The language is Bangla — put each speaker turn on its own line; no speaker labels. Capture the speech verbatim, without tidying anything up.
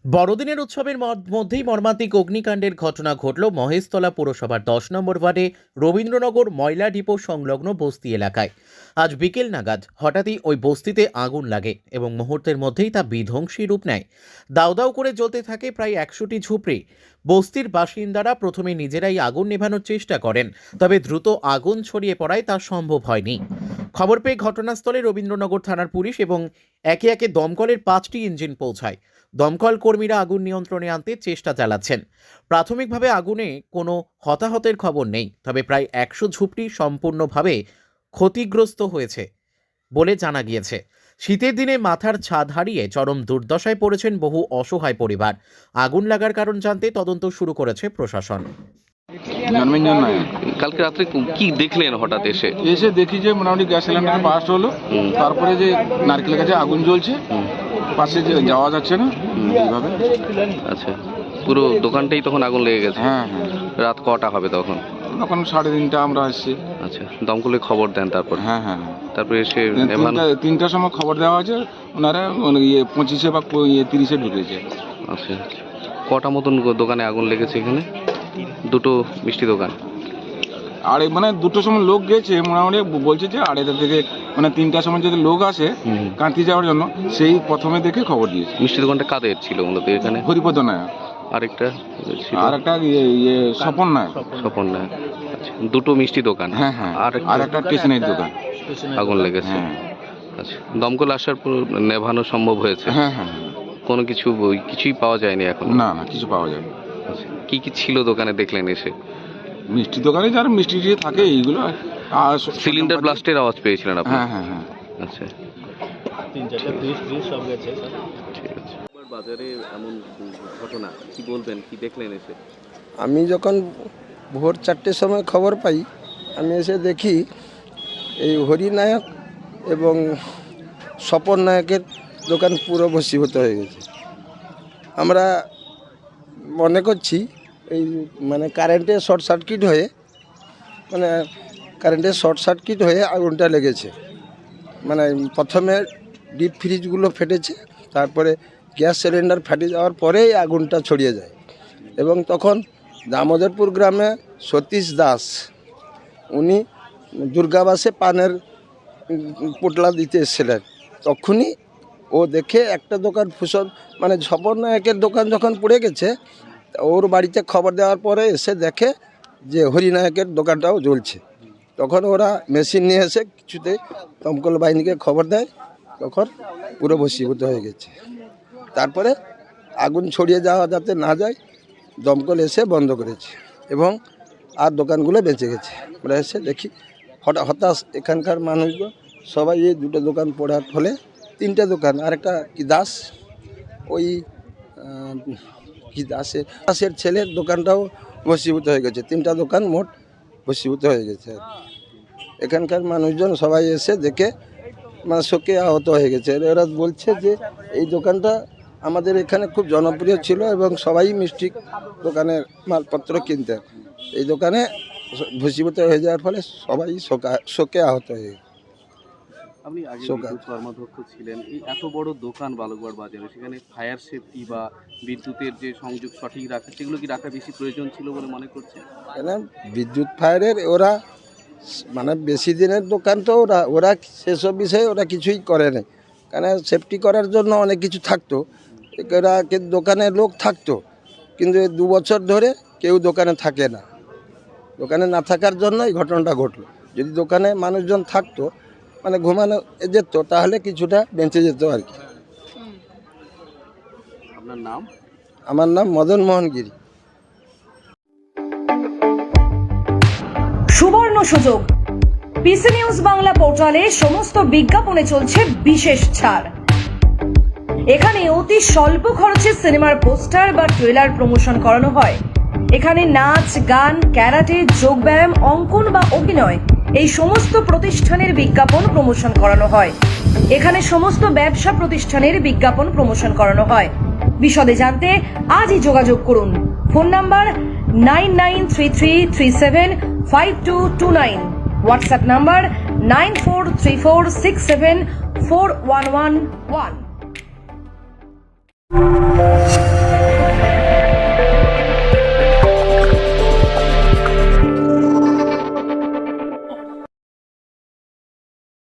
বড়দিনের উৎসবের মধ্যেই মর্মান্তিক অগ্নিকাণ্ডের ঘটনা ঘটল মহেশতলা পৌরসভার দশ নম্বর ওয়ার্ডে রবীন্দ্রনগর ময়লা ডিপো সংলগ্ন বস্তি এলাকায়। আজ বিকেল নাগাদ হঠাৎই ওই বস্তিতে আগুন লাগে এবং মুহূর্তের মধ্যেই তা বিধ্বংসী রূপ নেয়। দাউ দাউ করে জ্বলতে থাকে প্রায় একশোটি ঝুপড়ি। বস্তির বাসিন্দারা প্রথমে নিজেরাই আগুন নেভানোর চেষ্টা করেন, তবে দ্রুত আগুন ছড়িয়ে পড়ায় তা সম্ভব হয়নি। খবর পেয়ে ঘটনাস্থলে রবীন্দ্রনগর থানার পুলিশ এবং একে একে দমকলের পাঁচটি ইঞ্জিন পৌঁছায়। দমকল কর্মীরা আগুন নিয়ন্ত্রণে আনতে চেষ্টা চালাচ্ছেন। প্রাথমিকভাবে আগুনে কোনো হতাহতের খবর নেই, তবে প্রায় একশো ঝুপড়ি সম্পূর্ণভাবে ক্ষতিগ্রস্ত হয়েছে বলে জানা গিয়েছে। শীতের দিনে মাথার ছাদ হারিয়ে চরম দুর্দশায় পড়েছেন বহু অসহায় পরিবার। আগুন লাগার কারণ জানতে তদন্ত শুরু করেছে প্রশাসন।
জন্মেঞ্জন নয়,
কালকে রাত্রে কি দেখলেন হঠাৎ এসে?
এসে দেখি যে মোটামুটি গ্যাস সিলিন্ডার বাস্ট হলো, তারপরে যে নারকেলের কাছে আগুন জ্বলছে, পাশে যে যাওয়া যাচ্ছে না এইভাবে।
আচ্ছা, পুরো দোকানটাই তখন আগুন লেগে গেছে?
হ্যাঁ হ্যাঁ।
রাত কটা হবে তখন?
তখন সাড়ে তিনটা আমরা আসছি।
আচ্ছা, দমকলে খবর দেন তারপর?
হ্যাঁ হ্যাঁ।
তারপরে এসে
তিনটার সময় খবর দেওয়া হয়েছে, ওনারা ইয়ে পঁচিশে বা ইয়ে তিরিশে ঢুকেছে।
আচ্ছা, কটা মতন দোকানে আগুন লেগেছে এখানে? দুটো মিষ্টি দোকান।
আরে মানে দুটোর সময় লোক গেছে, মোটামুটি বলছে যে আড়াইটা থেকে মানে তিনটার সময় যদি লোক আসে কাঁতি যাওয়ার জন্য, সেই প্রথমে দেখে খবর দিয়েছে।
মিষ্টি দোকানটা কাদের ছিল মূলত এখানে?
হরিপদ নায়ক।
আরেকটা
আর একটা ইয়ে স্বপন নায়ক।
স্বপন নায়ক। আচ্ছা, দুটো মিষ্টি দোকান।
হ্যাঁ হ্যাঁ। আর একটা স্টেশনারি দোকান
আগুন লেগেছে।
হ্যাঁ।
আচ্ছা, দমকল আসার পর নেভানো সম্ভব হয়েছে?
হ্যাঁ হ্যাঁ।
কোনো কিছু কিছুই পাওয়া যায়নি এখন?
না না, কিছু পাওয়া যায়নি।
আচ্ছা, কি কি ছিল দোকানে দেখলেন এসে?
মিষ্টি দোকানে যারা মিষ্টি থাকে এইগুলো। আর
সিলিন্ডার ব্লাস্টের আওয়াজ পেয়েছিলেন আপনি?
হ্যাঁ হ্যাঁ হ্যাঁ।
আচ্ছা,
তিন চারটা ফ্রিজ ফ্রিজ সব গেছে স্যার।
ঠিক আছে। বাজারে এমন ঘটনা কি বলবেন, কি দেখলেন এসে?
আমি যখন ভোর চারটের সময় খবর পাই, আমি এসে দেখি এই হরি নায়ক এবং স্বপন নায়কের দোকান পুরো ভস্মীভূত হয়ে গেছে। আমরা মনে করছি এই মানে কারেন্টে শর্ট সার্কিট হয়ে মানে কারেন্টের শর্ট সার্কিট হয়ে আগুনটা লেগেছে। মানে প্রথমে ডিপ ফ্রিজগুলো ফেটেছে, তারপরে গ্যাস সিলিন্ডার ফেটে যাওয়ার পরেই আগুনটা ছড়িয়ে যায়। এবং তখন দামোদরপুর গ্রামে সতীশ দাস, উনি দুর্গাবাসে পানের পোটলা দিতে এসেছিলেন। তখনই ও দেখে একটা দোকান ফুসন মানে স্বপন নায়কের দোকান যখন পুড়ে গেছে, ওর বাড়িতে খবর দেওয়ার পরে এসে দেখে যে হরিনায়কের দোকানটাও জ্বলছে। তখন ওরা মেশিন নিয়ে এসে কিছুতে দমকল বাহিনীকে খবর দেয়, তখন পুরো ভস্মীভূত হয়ে গেছে। তারপরে আগুন ছড়িয়ে যাওয়া যাতে না যায়, দমকল এসে বন্ধ করেছে এবং আর দোকানগুলো বেঁচে গেছে। আমরা এসে দেখি হঠাৎ হতাশ এখানকার মানুষগুলো সবাই, এই দুটো দোকান পড়ার ফলে তিনটে দোকান, আর একটা কি দাস, ওই কি দাসের দাসের ছেলের দোকানটাও ভস্মীভূত হয়ে গেছে। তিনটা দোকান মোট ভস্মীভূত হয়ে গেছে। এখানকার মানুষজন সবাই এসে দেখে মানে শোকে আহত হয়ে গেছে। এরা বলছে যে এই দোকানটা আমাদের এখানে খুব জনপ্রিয় ছিল এবং সবাই মিষ্টি দোকানের মালপত্র কিনতেন। এই দোকানে ভস্মীভূত হয়ে যাওয়ার ফলে সবাই শোকা শোকে আহত হয়ে গেছে।
আপনি আগে বিদ্যুৎ কর্মাধ্যক্ষ ছিলেন, এই এত বড় দোকান বালুরঘাট বাজারে, সেখানে ফায়ার সেফটি বা বিদ্যুতের যে সংযোগ সঠিক রাখা, সেগুলো কি রাখা বেশি প্রয়োজন ছিল বলে মনে করছেন?
কেন বিদ্যুৎ ফায়ারের ওরা মানে বেশি দিনের দোকান তো ওরা ওরা সেসব বিষয়ে ওরা কিছুই করে না। কেন সেফটি করার জন্য অনেক কিছু থাকতো, ওরা দোকানে লোক থাকতো, কিন্তু দু বছর ধরে কেউ দোকানে থাকে না। দোকানে না থাকার জন্য এই ঘটনাটা ঘটলো। যদি দোকানে মানুষজন থাকতো মানে ঘুমানো যেত, তাহলে কিছুটা বেঁচে যেত আর কি।
আপনার নাম?
আমার নাম মদন মোহন গিরি।
সুবর্ণ সুযোগ, পিসি নিউজ বাংলা পোর্টালে সমস্ত বিজ্ঞাপনে চলছে বিশেষ ছাড়। এখানে অতি স্বল্প খরচে সিনেমার পোস্টার বা ট্রেলার প্রমোশন করানো হয়। এখানে নাচ, গান, ক্যারাটে, যোগব্যায়াম, অঙ্কন বা অভিনয় এই সমস্ত প্রতিষ্ঠানের বিজ্ঞাপন প্রমোশন করানো হয়। এখানে সমস্ত ব্যবসা প্রতিষ্ঠানের বিজ্ঞাপন প্রমোশন করানো হয়। বিশদে জানতে আজই যোগাযোগ করুন। Phone number nine nine three three three seven five two two nine, WhatsApp number nine four three four six seven four one one one.